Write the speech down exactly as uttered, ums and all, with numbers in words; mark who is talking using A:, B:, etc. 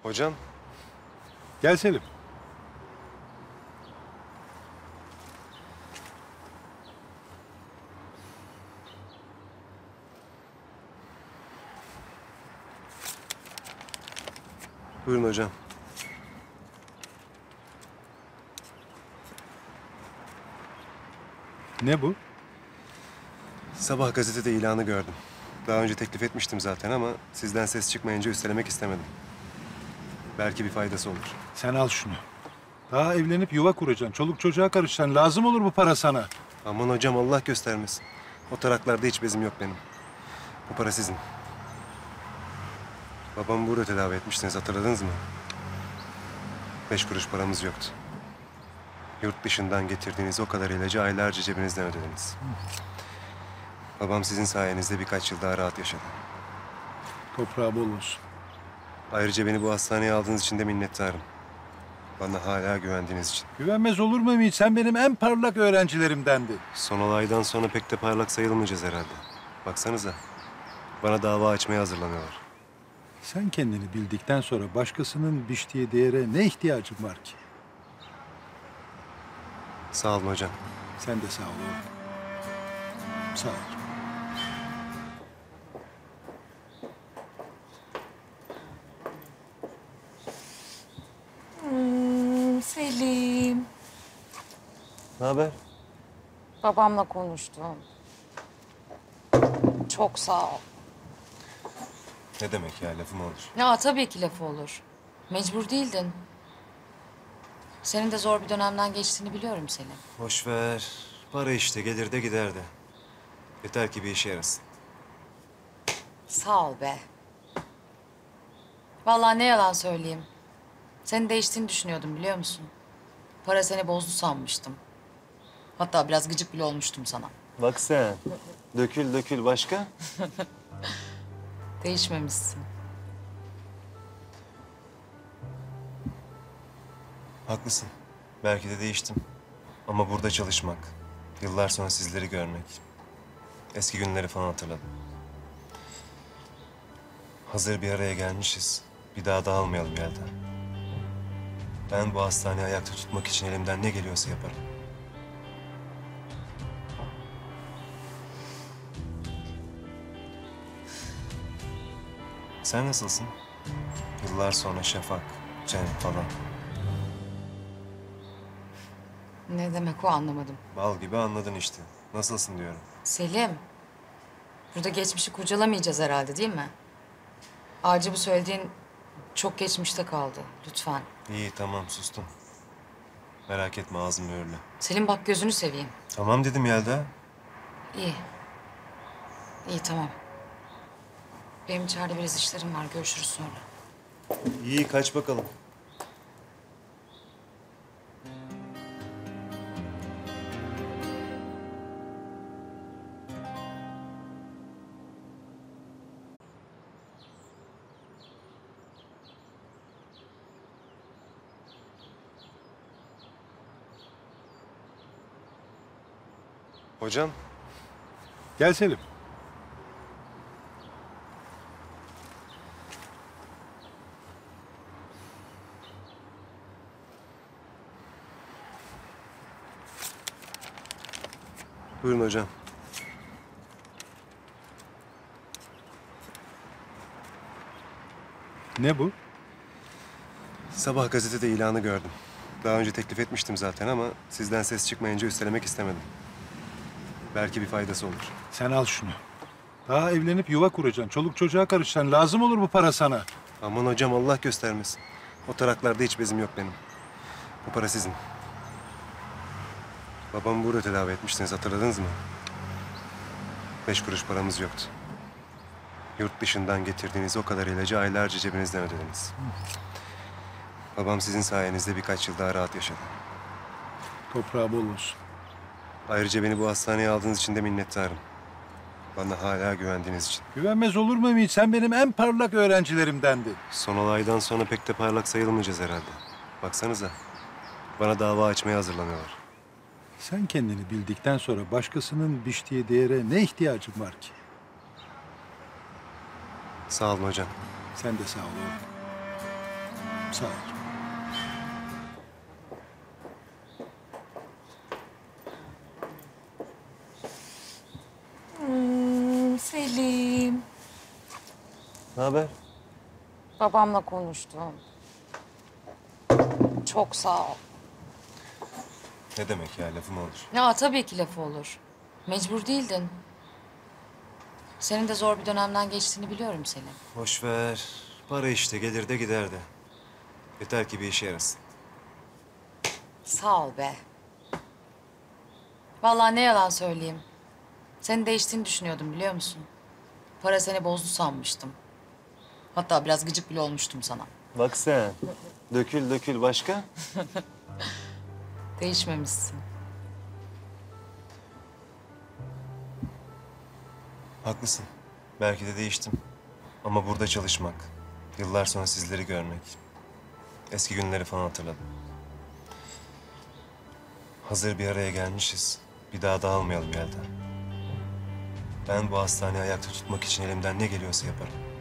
A: Hocam.
B: Gel Selim.
A: Buyurun hocam.
B: Ne bu?
A: Sabah gazetede ilanı gördüm. Daha önce teklif etmiştim zaten ama sizden ses çıkmayınca üstelemek istemedim. Belki bir faydası olur.
B: Sen al şunu. Daha evlenip yuva kuracaksın. Çoluk çocuğa karışacaksın. Lazım olur bu para sana.
A: Aman hocam Allah göstermesin. O taraklarda hiç bezim yok benim. Bu para sizin. Babamı burada tedavi etmiştiniz, hatırladınız mı? Beş kuruş paramız yoktu. Yurt dışından getirdiğiniz o kadar ilacı aylarca cebinizden ödediniz. Babam sizin sayenizde birkaç yıl daha rahat yaşadı.
B: Toprağı bol olsun.
A: Ayrıca beni bu hastaneye aldığınız için de minnettarım. Bana hala güvendiğiniz için.
B: Güvenmez olur muyum hiç? Sen benim en parlak öğrencilerimdendin.
A: Son olaydan sonra pek de parlak sayılmayacağız herhalde. Baksanıza. Bana dava açmaya hazırlanıyorlar.
B: Sen kendini bildikten sonra başkasının biçtiği değere ne ihtiyacın var ki?
A: Sağ olun hocam.
B: Sen de sağ ol oğlum. Sağ ol.
C: Hmm, Selim.
A: Ne haber?
C: Babamla konuştum. Çok sağ ol.
A: Ne demek ya, lafım olur.
C: Ya tabii ki lafı olur. Mecbur değildin. Senin de zor bir dönemden geçtiğini biliyorum Selim.
A: Boş ver. Para işte, gelir de gider de. Yeter ki bir işe yarasın.
C: Sağ ol be. Vallahi ne yalan söyleyeyim. Senin değiştiğini düşünüyordum biliyor musun? Para seni bozdu sanmıştım. Hatta biraz gıcık bile olmuştum sana.
A: Bak sen. Dökül dökül, başka?
C: Değişmemişsin.
A: Haklısın. Belki de değiştim. Ama burada çalışmak, yıllar sonra sizleri görmek, eski günleri falan hatırladım. Hazır bir araya gelmişiz. Bir daha dağılmayalım Yelda. Ben bu hastaneyi ayakta tutmak için elimden ne geliyorsa yaparım. Sen nasılsın? Yıllar sonra Şafak, Cem falan.
C: Ne demek o anlamadım.
A: Bal gibi anladın işte. Nasılsın diyorum.
C: Selim, burada geçmişi kurcalamayacağız herhalde değil mi? Ayrıca bu söylediğin çok geçmişte kaldı. Lütfen.
A: İyi tamam sustum. Merak etme ağzım mühürlü.
C: Selim bak gözünü seveyim.
A: Tamam dedim Yelda.
C: İyi. İyi tamam. Benim içeride biraz işlerim var. Görüşürüz sonra.
A: İyi kaç bakalım. Hocam.
B: Gel Selim.
A: Buyurun hocam.
B: Ne bu?
A: Sabah gazetede ilanı gördüm. Daha önce teklif etmiştim zaten ama sizden ses çıkmayınca üstelemek istemedim. Belki bir faydası olur.
B: Sen al şunu. Daha evlenip yuva kuracaksın. Çoluk çocuğa karışacaksın. Lazım olur bu para sana.
A: Aman hocam Allah göstermesin. O taraklarda hiç bezim yok benim. Bu para sizin. Babamı burada tedavi etmiştiniz, hatırladınız mı? Beş kuruş paramız yoktu. Yurt dışından getirdiğiniz o kadar ilacı aylarca cebinizden ödediniz. Babam sizin sayenizde birkaç yıl daha rahat yaşadı.
B: Toprağı bol olsun.
A: Ayrıca beni bu hastaneye aldığınız için de minnettarım. Bana hala güvendiğiniz için.
B: Güvenmez olur muyum hiç? Sen benim en parlak öğrencilerimdendin.
A: Son olaydan sonra pek de parlak sayılmayacağız herhalde. Baksanıza. Bana dava açmaya hazırlanıyorlar.
B: Sen kendini bildikten sonra başkasının biçtiği değere ne ihtiyacın var ki?
A: Sağ olun hocam.
B: Sen de sağ ol oğlum. Sağ ol.
C: Hmm, Selim.
A: Ne haber?
C: Babamla konuştum. Çok sağ ol.
A: Ne demek ya, lafı mı olur?
C: Ya tabii ki lafı olur. Mecbur değildin. Senin de zor bir dönemden geçtiğini biliyorum Selim.
A: Boş ver. Para işte, gelir de gider de. Yeter ki bir işe yarasın.
C: Sağ ol be. Vallahi ne yalan söyleyeyim. Senin değiştiğini düşünüyordum biliyor musun? Para seni bozdu sanmıştım. Hatta biraz gıcık bile olmuştum sana.
A: Bak sen. Dökül dökül, başka?
C: Değişmemişsin.
A: Haklısın. Belki de değiştim. Ama burada çalışmak, yıllar sonra sizleri görmek, eski günleri falan hatırladım. Hazır bir araya gelmişiz. Bir daha dağılmayalım Yelda. Ben bu hastaneyi ayakta tutmak için elimden ne geliyorsa yaparım.